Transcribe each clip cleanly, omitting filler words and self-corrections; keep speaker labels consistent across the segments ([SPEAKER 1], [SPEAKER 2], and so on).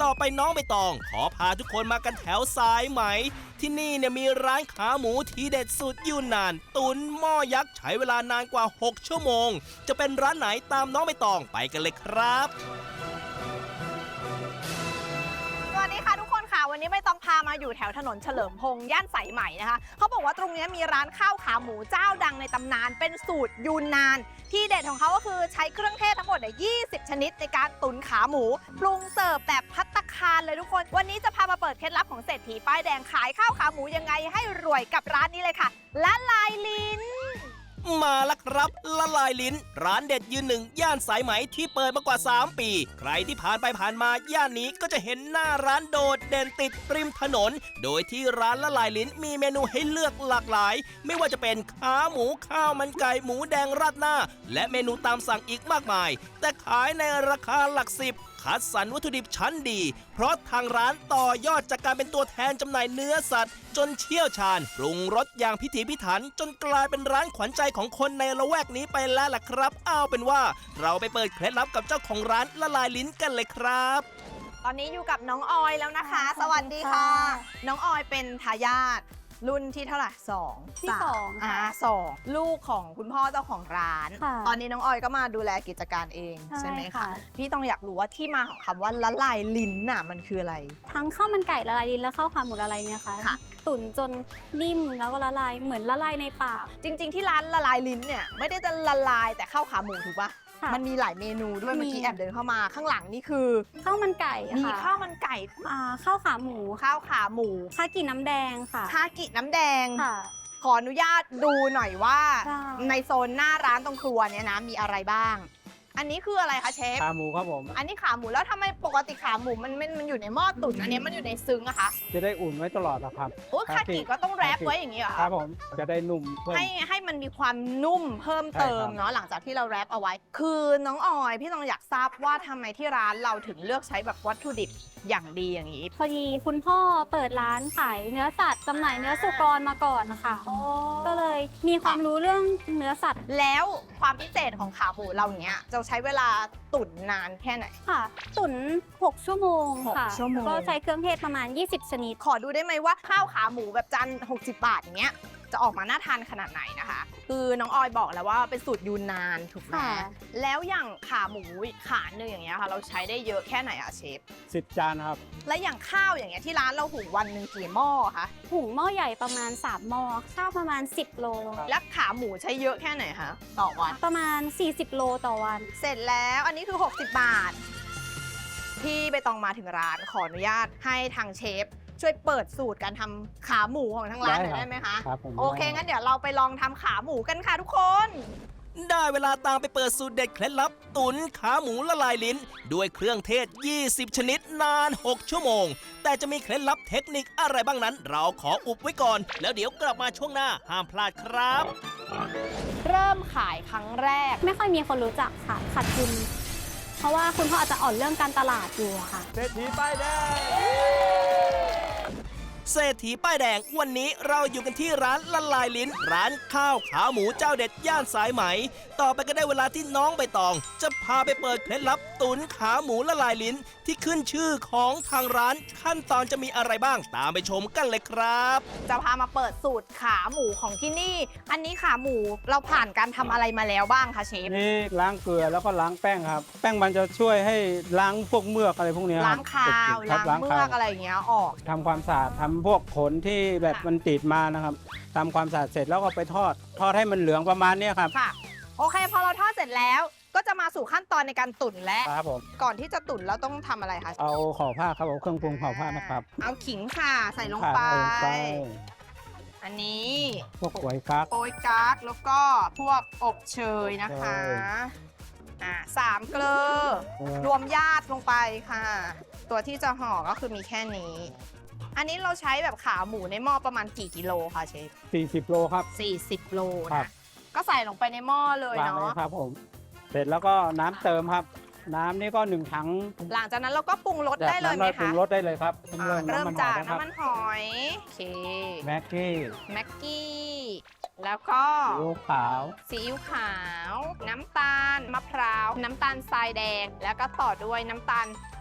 [SPEAKER 1] ต่อไปน้องใบตองขอพาทุกคนมากันแถวสายไหมที่นี่เนี่ยมีร้านขาหมูทีเด็ดสุดยูนนานตุ๋นหม้อยักษ์ใช้เวลานานกว่า6ชั่วโมงจะเป็นร้านไหนตามน้องใบตองไปกันเลยครับ
[SPEAKER 2] สวัสดีค่ะทุกคนค่ะวันนี้ไม่ต้องพามาอยู่แถวถนนเฉลิมพงษ์ย่านสายไหมนะคะเขาบอกว่าตรงนี้มีร้านข้าวขาหมูเจ้าดังในตำนานเป็นสูตรยูนนานที่เด็ดของเขาก็คือใช้เครื่องเทศทั้งหมด20 ชนิดในการตุ๋นขาหมูปรุงเสิร์ฟแบบภัตตาคารเลยทุกคนวันนี้จะพามาเปิดเคล็ดลับของเศรษฐีป้ายแดงขายข้าวขาหมูยังไงให้รวยกับร้านนี้เลยค่ะละลายลิ้น
[SPEAKER 1] มาแล้วครับละลายลิ้นร้านเด็ดยืนหนึ่งย่านสายไหมที่เปิดมากว่า3ปีใครที่ผ่านไปผ่านมาย่านนี้ก็จะเห็นหน้าร้านโดดเด่นติดริมถนนโดยที่ร้านละลายลิ้นมีเมนูให้เลือกหลากหลายไม่ว่าจะเป็นขาหมูข้าวมันไก่หมูแดงราดหน้าและเมนูตามสั่งอีกมากมายแต่ขายในราคาหลักสิบคัดสรรวัตถุดิบชั้นดีเพราะทางร้านต่อยอดจากการเป็นตัวแทนจำหน่ายเนื้อสัตว์จนเชี่ยวชาญปรุงรสอย่างพิถีพิถันจนกลายเป็นร้านขวัญใจของคนในละแวกนี้ไปแล้วล่ะครับเอาเป็นว่าเราไปเปิดเคล็ดลับกับเจ้าของร้านละลายลิ้นกันเลยครับ
[SPEAKER 2] ตอนนี้อยู่กับน้องออยแล้วนะคะสวัสดีค่ะน้องออยเป็นทายาทรุ่นที่เท่าไหร่2
[SPEAKER 3] ที่2ค่ะ
[SPEAKER 2] 2ลูกของคุณพ่อเจ้าของร้านตอนนี้น้องออยก็มาดูแลกิจการเองใช่ไหมคะพี่ต้องอยากรู้ว่าที่มาของคำว่าละลายลิ้นน่ะมันคืออะไร
[SPEAKER 3] ทั้งข้าวมันไก่ละลายลิ้นและข้าวขาหมูละลายเนี่ยค่ะตุ๋นจนนิ่มแล้วก็ละลายเหมือนละลายในปาก
[SPEAKER 2] จริงๆที่ร้านละลายลิ้นเนี่ยไม่ได้จะละลายแต่ข้าวขาหมูถูกปะมันมีหลายเมนูด้วยเมื่อกี้แอบเดินเข้ามาข้างหลังนี่คือ
[SPEAKER 3] ข้าวมันไก่
[SPEAKER 2] มีข้าวมันไก่
[SPEAKER 3] ข้าวขาหมู
[SPEAKER 2] ข้าวขาหมู
[SPEAKER 3] คากิน้ำแดงค่ะ
[SPEAKER 2] คากิน้ำแดงขออนุญาตดูหน่อยว่าในโซนหน้าร้านตรงครัวเนี่ยนะมีอะไรบ้างอันนี้คืออะไรคะเชฟ
[SPEAKER 4] ขาหมูครับผม
[SPEAKER 2] อันนี้ขาหมูแล้วทำไมปกติขาหมูมันอยู่ในหม้อตุ๋นอันนี้มันอยู่ในซึ้งอะคะ
[SPEAKER 4] จะได้อุ่นไว้ตลอดนะครับ
[SPEAKER 2] โอ้คากิก็ต้องแรปไว้อย่างนี้เหรอ
[SPEAKER 4] ครับผมจะได้นุ่ม
[SPEAKER 2] ให้มันมีความนุ่มเพิ่มเติมเนาะหลังจากที่เราแรปเอาไว้คือน้องออยพี่ต้องอยากทราบว่าทำไมที่ร้านเราถึงเลือกใช้แบบวัตถุดิบอย่างดีอย่างนี้
[SPEAKER 3] พอดีคุณพ่อเปิดร้านขายเนื้อสัตว์จำหน่ายเนื้อสุกรมาก่อนนะคะก็เลยมีความรู้เรื่องเนื้อสัตว์
[SPEAKER 2] แล้วความพิเศษของขาหมูเราเนี้ยจะใช้เวลาตุ๋นนานแค่ไหน
[SPEAKER 3] ค่ะตุ๋น6 ชั่วโมงค่ะก็ใช้เครื่องเทศประมาณ20 ชนิด
[SPEAKER 2] ขอดูได้ไหมว่าข้าวขาหมูแบบจาน60 บาทอย่างเงี้ยจะออกมาน่าทานขนาดไหนนะคะคือน้องออยบอกแล้วว่าเป็นสูตรยูนนานถูกไหมแล้วอย่างขาหมูขาหนึ่งอย่างเงี้ยค่ะเราใช้ได้เยอะแค่ไหนอะเชฟ
[SPEAKER 4] 10 จานครับ
[SPEAKER 2] และอย่างข้าวอย่างเงี้ยที่ร้านเราหุงวันหนึ่งกี่หม้อคะ
[SPEAKER 3] หุงหม้อใหญ่ประมาณ3 หม้อข้าวประมาณ10 โล
[SPEAKER 2] และขาหมูใช้เยอะแค่ไหนคะต่อวัน
[SPEAKER 3] ประมาณ40 โลต่อวัน
[SPEAKER 2] เสร็จแล้วอันนี้คือ60 บาทพี่ใบตองมาถึงร้านขออนุญาตให้ทางเชฟช่วยเปิดสูตรการทำขาหมูของทางร้านหน่อยได้ไหมคะโอเคงั้นเดี๋ยวเราไปลองทำขาหมูกันค่ะทุกคน
[SPEAKER 1] ได้เวลาตามไปเปิดสูตรเด็ดเคล็ดลับตุ๋นขาหมูละลายลิ้นด้วยเครื่องเทศ20 ชนิดนาน6 ชั่วโมงแต่จะมีเคล็ดลับเทคนิคอะไรบ้างนั้นเราขออุบไว้ก่อนแล้วเดี๋ยวกลับมาช่วงหน้าห้ามพลาดครับ
[SPEAKER 2] เริ่มขายครั้งแรก
[SPEAKER 3] ไม่ค่อยมีคนรู้จักค่ะขาดทุนเพราะว่าคุณพ่ออาจจะอ่อนเรื่องการตลาดอยู่ค่ะ
[SPEAKER 4] เศรษฐีป้ายแดง
[SPEAKER 1] เศรษฐีป้ายแดงวันนี้เราอยู่กันที่ร้านละลายลิ้นร้านข้าวขาหมูเจ้าเด็ดย่านสายไหมต่อไปก็ได้เวลาที่น้องใบตองจะพาไปเปิดเคล็ดลับตุ๋นขาหมูละลายลิ้นที่ขึ้นชื่อของทางร้านขั้นตอนจะมีอะไรบ้างตามไปชมกันเลยครับ
[SPEAKER 2] จะพามาเปิดสูตรขาหมูของที่นี่อันนี้ขาหมูเราผ่านการทำอะไรมาแล้วบ้างคะเชฟ
[SPEAKER 4] นี่ล้างเกลือแล้วก็ล้างแป้งครับแป้งมันจะช่วยให้ล้างพวกเมือกอะไรพวกนี้
[SPEAKER 2] ล้างคาวล้างเมือกอะไรอย่างเงี้ยออก
[SPEAKER 4] ทำความสะอาดทำพวกขนที่แบบมันติดมานะครับทำความสะอาดเสร็จแล้วก็ไปทอดให้มันเหลืองประมาณนี้ครับ
[SPEAKER 2] ค่ะโอเคพอเราทอดเสร็จแล้วก็จะมาสู่ขั้นตอนในการตุ๋นแล้ว
[SPEAKER 4] ครับผม
[SPEAKER 2] ก่อนที่จะตุ๋นเราต้องทำอะไรคะ
[SPEAKER 4] เอาห่อผ้าครับเอาเครื่องปรุงห่อผ้านะครับ
[SPEAKER 2] เอาขิงค่ะใส่ลงไปอันนี้
[SPEAKER 4] พวกโป๊ยกั๊ก
[SPEAKER 2] แล้วก็พวกอบเชยนะคะ3 เกลือรวมญาติลงไปค่ะตัวที่จะห่อก็คือมีแค่นี้อันนี้เราใช้แบบขาหมูในหม้อประมาณกี่กิโลคะเชฟ
[SPEAKER 4] 40 โลครับ
[SPEAKER 2] 40 โลนะก็ใส่ลงไปในหม้อเลยเนาะ
[SPEAKER 4] ครับผมเสร็จแล้วก็น้ำเติมครับน้ำนี่ก็1 ถัง
[SPEAKER 2] หลังจากนั้นเราก็ปรุงรสได้เลยไหมคะ
[SPEAKER 4] ปรุงรสได้เลยครับ
[SPEAKER 2] เริ่มจากน้ำมันหอยโอเค
[SPEAKER 4] แม็ก
[SPEAKER 2] กี้แล้วก็ซีอิ๊วขาวน้ำตาลมะพร้าวน้ำตาลทรายแดงแล้วก็ต่อด้วยน้ำตาล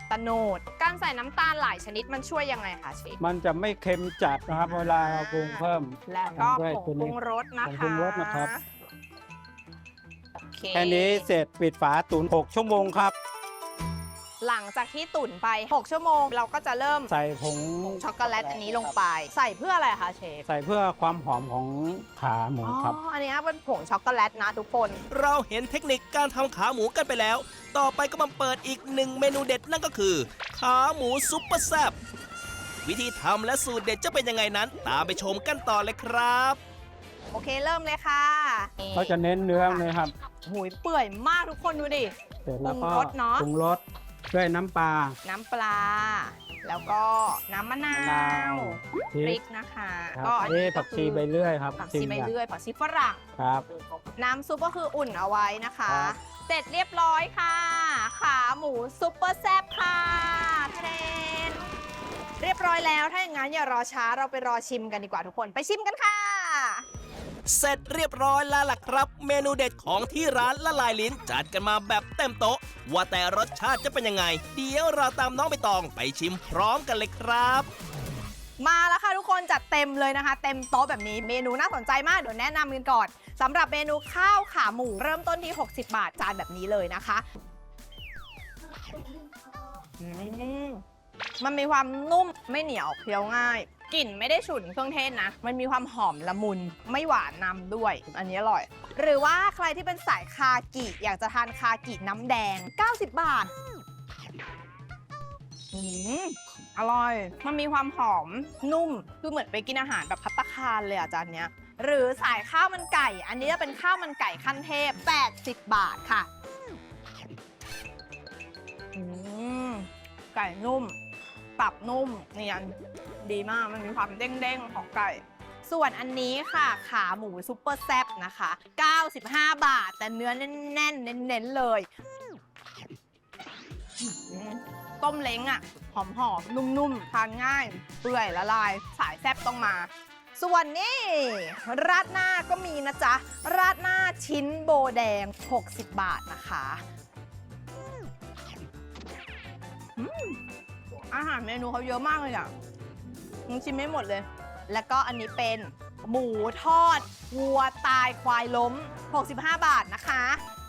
[SPEAKER 2] ตโนดการใส่น้ำตาลหลายชนิดมันช่วยยังไงคะเชฟ
[SPEAKER 4] มันจะไม่เค็มจัดนะครับ เวลาเราปรุงเพิ่ม
[SPEAKER 2] และก็
[SPEAKER 4] ด้วย
[SPEAKER 2] ผงปรุงรสนะ
[SPEAKER 4] ผง
[SPEAKER 2] คะ
[SPEAKER 4] ปรุงรสนะครับ
[SPEAKER 2] โอเค
[SPEAKER 4] แค่นี้เสร็จปิดฝาตุ๋น6 ชั่วโมงครับ
[SPEAKER 2] หลังจากที่ตุ๋นไป 6 ชั่วโมง เราก็จะเริ่ม
[SPEAKER 4] ใส่ผง
[SPEAKER 2] ช็อกโกแลตอันนี้ลงไป ใส่เพื่ออะไรคะเชฟ
[SPEAKER 4] ใส่เพื่อความหอมของขาหมูครับ
[SPEAKER 2] อันนี้เป็นผงช็อกโกแลตนะทุกคน
[SPEAKER 1] เราเห็นเทคนิคการทำขาหมูกันไปแล้ว ต่อไปก็มาเปิดอีกหนึ่งเมนูเด็ดนั่นก็คือ ขาหมูซุปเปอร์แซ่บวิธีทำและสูตรเด็ดจะเป็นยังไงนั้น ตามไปชมกันต่อเลยครับ
[SPEAKER 2] โอเคเริ่มเลยค่ะ
[SPEAKER 4] เขาจะเน้นเนื้อเลยครับ
[SPEAKER 2] หูยเปื่อยมากทุกคนดูดิ
[SPEAKER 4] เสร็จแล้วก็
[SPEAKER 2] ปรุงรสเนอะ
[SPEAKER 4] ปรุงรสด้วยน้ำปลา
[SPEAKER 2] น้ำปลา แล้วก็น้ำมะนาม
[SPEAKER 4] ะนาว ว
[SPEAKER 2] พริกนะคะ
[SPEAKER 4] ครับ
[SPEAKER 2] ก็อัน
[SPEAKER 4] นี่
[SPEAKER 2] นี้
[SPEAKER 4] ผักชีใบเลื่อยครับ
[SPEAKER 2] ผักชีใบเลื่อยผักชีฝรั่ง
[SPEAKER 4] ครับ
[SPEAKER 2] น้ำซุปก็คืออุ่นเอาไว้นะคะ
[SPEAKER 4] ครับ
[SPEAKER 2] เสร็จเรียบร้อยค่ะ ขาหมูซุปเปอร์แซ่บค่ะทะเลนเรียบร้อยแล้ว ถ้าอย่างนั้นอย่ารอช้าเราไปรอชิมกันดีกว่าทุกคนไปชิมกันค่ะ
[SPEAKER 1] เสร็จเรียบร้อยแล้วล่ะครับ เมนูเด็ดของที่ร้านละลายลิ้นจัดกันมาแบบเต็มโต๊ะ ว่าแต่รสชาติจะเป็นยังไง เดี๋ยวเราตามน้องใบตองไปชิมพร้อมกันเลยครับ
[SPEAKER 2] มาแล้วค่ะทุกคนจัดเต็มเลยนะคะ เต็มโต๊ะแบบนี้เมนูน่าสนใจมากเดี๋ยวแนะนำกันก่อนสำหรับเมนูข้าวขาหมูเริ่มต้นที่ 60 บาทจานแบบนี้เลยนะคะมันมีความนุ่มไม่เหนียวเคี้ยวง่ายกลิ่นไม่ได้ฉุนเครื่องเทศนะ มันมีความหอมละมุนไม่หวานนำด้วย อันนี้อร่อย หรือว่าใครที่เป็นสายคากิอยากจะทานคากิน้ำแดง 90 บาทอร่อย มันมีความหอมนุ่มคือเหมือนไปกินอาหารแบบภัตตาคารเลยอ่ะจานเนี้ย หรือสายข้าวมันไก่ อันนี้จะเป็นข้าวมันไก่ขั้นเทพ 80 บาทค่ะไก่นุ่มตับนุ่มเนียนดีมากมันมีความเด้งๆของไก่ ส่วนอันนี้ค่ะขาหมูซุปเปอร์แซ่บนะคะ 95 บาท แต่เนื้อแน่นๆเน้นๆเลยต้มเล้งอ่ะหอมๆนุ่มๆทานง่ายเปื่อยละลายสายแซ่บต้องมา ส่วนนี้ราดหน้าก็มีนะจ๊ะ ราดหน้าชิ้นโบแดง 60 บาทนะคะอาหารเมนูเขาเยอะมากเลยอ่ะมึงชิมไม่หมดเลย แล้วก็อันนี้เป็นหมูทอดวัวตายควายล้ม 65 บาทนะคะ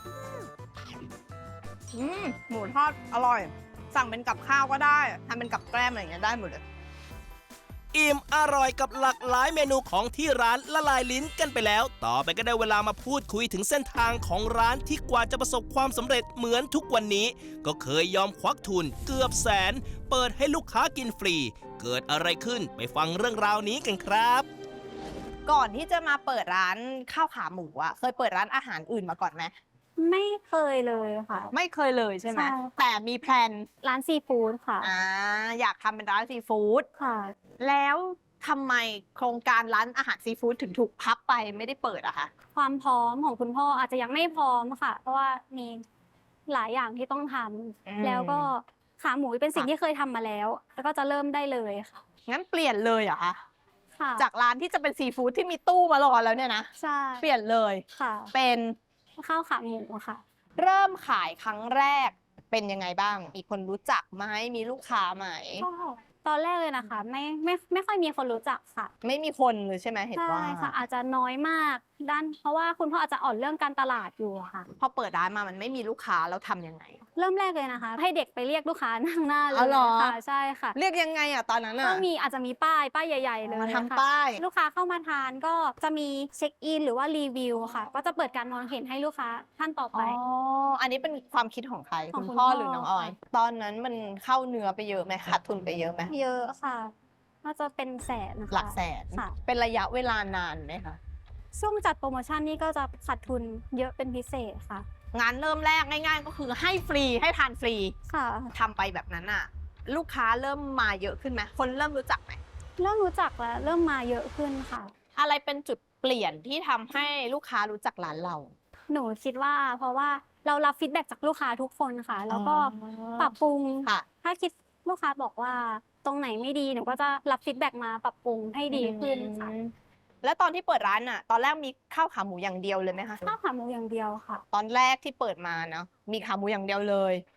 [SPEAKER 2] หมูทอดอร่อย สั่งเป็นกับข้าวก็ได้ทำเป็นกับแกล้มอะไรอย่างเงี้ยได้หมดเลย
[SPEAKER 1] อิ่มอร่อยกับหลากหลายเมนูของที่ร้านละลายลิ้นกันไปแล้ว ต่อไปก็ได้เวลามาพูดคุยถึงเส้นทางของร้านที่กว่าจะประสบความสำเร็จเหมือนทุกวันนี้ ก็เคยยอมควักทุนเกือบแสน เปิดให้ลูกค้ากินฟรี เกิดอะไรขึ้นไปฟังเรื่องราวนี้กันครับ
[SPEAKER 2] ก่อนที่จะมาเปิดร้านข้าวขาหมูอะเคยเปิดร้านอาหารอื่นมาก่อนไหม
[SPEAKER 3] ไม่เคยเลยค่ะ
[SPEAKER 2] ไม่เคยเลยใช่ไหม
[SPEAKER 3] ใช่
[SPEAKER 2] แต่มีแพลน
[SPEAKER 3] ร้านซีฟู้ดค่ะ
[SPEAKER 2] อยากทำเป็นร้านซีฟู้ด
[SPEAKER 3] ค่ะ
[SPEAKER 2] แล้วทำไมโครงการร้านอาหารซีฟู้ดถึงถูกพับไปไม่ได้เปิดอะคะ
[SPEAKER 3] ความพร้อมของคุณพ่ออาจจะยังไม่พร้อมค่ะ เพราะว่ามีหลายอย่างที่ต้องทำแล้วก็ขาหมูเป็นสิ่งที่เคยทำมาแล้ว แล้วก็จะเริ่มได้เลยค่ะ
[SPEAKER 2] งั้นเปลี่ยนเลยเหรอคะ
[SPEAKER 3] ค่ะ
[SPEAKER 2] จากร้านที่จะเป็นซีฟู้ดที่มีตู้มารอแล้วเนี่ยนะ
[SPEAKER 3] ใช่
[SPEAKER 2] เปลี่ยนเลย
[SPEAKER 3] ค่ะ
[SPEAKER 2] เป็น
[SPEAKER 3] ข้าวขาหมูค่ะ
[SPEAKER 2] เริ่มขายครั้งแรกเป็นยังไงบ้าง มีคนรู้จักไหมมีลูกค้าไหม
[SPEAKER 3] ก็ตอนแรกเลยนะคะ ไม่ค่อยมีคนรู้จักค่ะ
[SPEAKER 2] ไม่มีคนเลยใช่ไหมเห็น
[SPEAKER 3] ใช่
[SPEAKER 2] ว่า
[SPEAKER 3] ค่ะ อาจจะน้อยมากเพราะว่าคุณพ่ออาจจะอ่อนเรื่องการตลาดอยู่อะค่ะ
[SPEAKER 2] พอเปิดร้านมามันไม่มีลูกค้าแล้วทำยังไง
[SPEAKER 3] เริ่มแรกเลยนะคะ ให้เด็กไปเรียกลูกค้านั่งหน้าเล
[SPEAKER 2] อ๋อย เหรอ
[SPEAKER 3] ค่ะใช่ค่ะ
[SPEAKER 2] เรียกยังไงอะตอนนั้น
[SPEAKER 3] ก็
[SPEAKER 2] อะ
[SPEAKER 3] อาจจะมีป้ายใหญ่ๆเลย
[SPEAKER 2] มา
[SPEAKER 3] ค่ะ
[SPEAKER 2] ทำป้าย
[SPEAKER 3] ลูกค้าเข้ามาทานก็จะมีเช็คอินหรือว่ารีวิวค่ะ ก็จะเปิดการมองเห็นให้ลูกค้าท่านต่อไป
[SPEAKER 2] อันนี้เป็นความคิดของใคร
[SPEAKER 3] ของ
[SPEAKER 2] คุณ
[SPEAKER 3] คุณ
[SPEAKER 2] พ่อ
[SPEAKER 3] พ่อ
[SPEAKER 2] หรือน้องออย ตอนนั้นมันเข้าเนื้อไปเยอะไหมขาดทุนไปเยอะไหม
[SPEAKER 3] เยอะค่ะน่าจะเป็นแสนนะคะ
[SPEAKER 2] หลักแสน
[SPEAKER 3] ค่ะ
[SPEAKER 2] เป็นระยะเวลานานไหมคะ
[SPEAKER 3] ช่วงจัดโปรโมชั่นนี่ก็จะขาดทุนเยอะเป็นพิเศษค่ะ
[SPEAKER 2] งานเริ่มแรกง่ายๆ ก็คือให้ฟรีให้ทานฟรี
[SPEAKER 3] ค่ะ
[SPEAKER 2] ทำไปแบบนั้นอะลูกค้าเริ่มมาเยอะขึ้นไหมคนเริ่มรู้จักไหม
[SPEAKER 3] เริ่มรู้จักแล้วเริ่มมาเยอะขึ้นค่ะ
[SPEAKER 2] อะไรเป็นจุดเปลี่ยนที่ทำให้ลูกค้ารู้จักร้านเรา
[SPEAKER 3] หนูคิดว่าเพราะว่าเรารับฟีดแบ็กจากลูกค้าทุกคนค่ะ แล้วก็ปรับปรุง
[SPEAKER 2] ค่ะ
[SPEAKER 3] ถ้าคิดลูกค้าบอกว่าตรงไหนไม่ดีหนูก็จะรับฟีดแบ็กมาปรับปรุงให้ดีขึ้นค่ะ
[SPEAKER 2] แล้วตอนที่เปิดร้านอะตอนแรกมีข้าวขาหมูอย่างเดียวเลยไหมคะ
[SPEAKER 3] ข้าวขาหมูอย่างเดียวค่ะ
[SPEAKER 2] ตอนแรกที่เปิดมาเนาะมีขาหมูอย่างเดียวเลย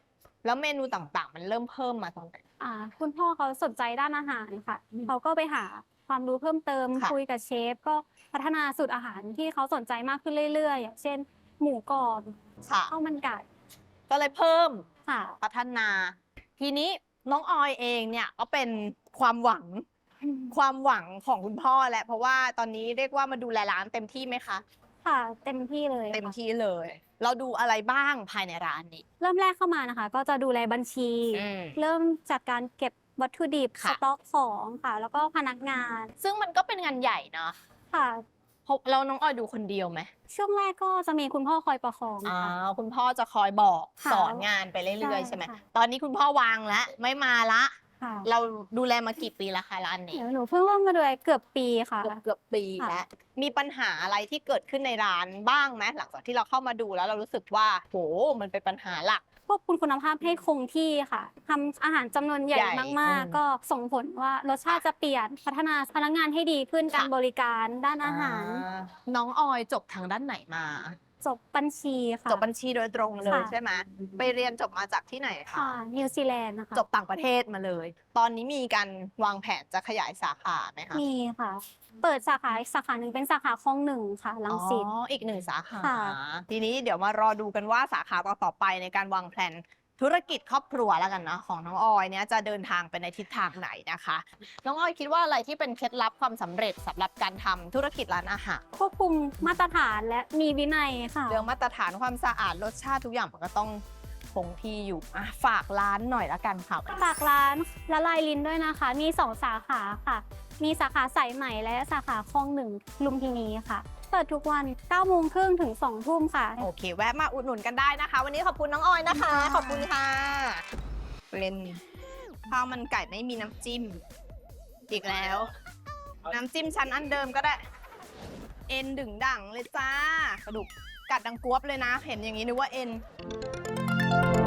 [SPEAKER 2] แล้วเมนูต่างๆ มันเริ่มเพิ่มมาตอนไหน
[SPEAKER 3] คุณพ่อเขาสนใจด้านอาหารค่ะเขาก็ไปหาความรู้เพิ่มเติม
[SPEAKER 2] ค่ะ
[SPEAKER 3] คุยกับเชฟก็พัฒนาสูตรอาหารที่เขาสนใจมากขึ้นเรื่อยๆอย่างเช่น หมูกรอบ
[SPEAKER 2] ค่ะ
[SPEAKER 3] ข้าวมันไก่
[SPEAKER 2] ก็เลยเพิ่ม
[SPEAKER 3] ค่ะ
[SPEAKER 2] พัฒนา ทีนี้น้องออยเองเนี่ยก็เป็นความหวังของคุณพ่อแหละเพราะว่าตอนนี้เรียกว่ามาดูแลร้านเต็มที่ไหมคะ
[SPEAKER 3] ค่ะเต็มที่เลย
[SPEAKER 2] เต็ม
[SPEAKER 3] ค่ะ
[SPEAKER 2] ที่เลย เราดูอะไรบ้างภายในร้านนี้
[SPEAKER 3] เริ่มแรกเข้ามานะคะ ก็จะดูแลบัญชี
[SPEAKER 2] อืม
[SPEAKER 3] เริ่มจากการเก็บวัตถุดิบส
[SPEAKER 2] ค่ะ
[SPEAKER 3] ต็อกของค่ะ แล้วก็พนักงาน
[SPEAKER 2] ซึ่งมันก็เป็นงานใหญ่เนาะ
[SPEAKER 3] ค่ะ
[SPEAKER 2] แล้วน้องออยดูคนเดียวไหม
[SPEAKER 3] ช่วงแรกก็จะมีคุณพ่อคอยประคอง
[SPEAKER 2] อ๋อ
[SPEAKER 3] ค่ะ
[SPEAKER 2] คุณพ่อจะคอยบอก
[SPEAKER 3] ค่ะ
[SPEAKER 2] สอนงานไปเรื่อยๆ
[SPEAKER 3] ใช่
[SPEAKER 2] ใช่ไหม
[SPEAKER 3] ค่ะ
[SPEAKER 2] ตอนนี้คุณพ่อวางแล้วไม่มาละ
[SPEAKER 3] ค่ะ
[SPEAKER 2] เราดูแลมากี่ปีแล้วคะร้านนี้
[SPEAKER 3] เดี๋ยวหนูเพิ่งเริ่มมาดูแลเกือบปีค่ะ
[SPEAKER 2] เกือบปี
[SPEAKER 3] ค่ะ
[SPEAKER 2] แล้ว มีปัญหาอะไรที่เกิดขึ้นในร้านบ้างไหมหลังจากที่เราเข้ามาดูแล้วเรารู้สึกว่าโหมันเป็นปัญหาหลัก
[SPEAKER 3] ควบคุมคุณภาพให้คงที่ค่ะทำอาหารจำนวนใหญ่
[SPEAKER 2] ใหญ่
[SPEAKER 3] มาก
[SPEAKER 2] อืม
[SPEAKER 3] ๆ ก็ส่งผลว่ารสชาติจะเปลี่ยนพัฒนาพนักงานให้ดีขึ้น
[SPEAKER 2] ค่ะ
[SPEAKER 3] การบริการด้านอาหาร
[SPEAKER 2] น้องออยจบทางด้านไหนมา
[SPEAKER 3] จบบัญชีค่ะ
[SPEAKER 2] จบบัญชีโดยตรงเลย
[SPEAKER 3] ค่ะ
[SPEAKER 2] ใช่ไหมไปเรียนจบมาจากที่ไหนคะ
[SPEAKER 3] นิวซีแลนด์นะคะ
[SPEAKER 2] จบต่างประเทศมาเลย ตอนนี้มีการวางแผนจะขยายสาขาไหมคะ
[SPEAKER 3] มีค่ะ เปิดสาขาอีกสาขาหนึ่งเป็นสาขาคลองหนึ่งค่ะรังสิต
[SPEAKER 2] อ๋ออีกหนึ่งสาขา
[SPEAKER 3] ค่ะ
[SPEAKER 2] ทีนี้เดี๋ยวมารอดูกันว่าสาขาต่อๆไปในการวางแผนธุรกิจครอบครัวแล้วกันนะของน้องออยเนี่ยจะเดินทางไปในทิศทางไหนนะคะ น้องออยคิดว่าอะไรที่เป็นเคล็ดลับความสำเร็จสำหรับการทำธุรกิจร้านอาหาร
[SPEAKER 3] ควบคุมมาตรฐานและมีวินัยค่ะ
[SPEAKER 2] เรื่องมาตรฐานความสะอาดรสชาติทุกอย่างมันก็ต้องคงที่อยู่อ่ะฝากร้านหน่อยละกันค่ะ
[SPEAKER 3] ฝากร้านละลายลิ้นด้วยนะคะ มี2 สาขาค่ะ มีสาขาสายใหม่และสาขาคลองหนึ่งลุมพินีค่ะ เปิดทุกวัน9 โมงครึ่งถึง 2 ทุ่มค่ะ
[SPEAKER 2] โอเค แวะมาอุดหนุนกันได้นะคะ วันนี้ขอบคุณน้องออยนะคะ ขอบคุณค่ะเป็นข้าวมันไก่ไม่มีน้ำจิ้ม อีกแล้ว น้ำจิ้มชั้นอันเดิมก็ได้ เอ็นดึงดั่งเลยจ้ากระดูกกัดดังกวบเลยนะ เห็นอย่างนี้นึกว่าเอ็น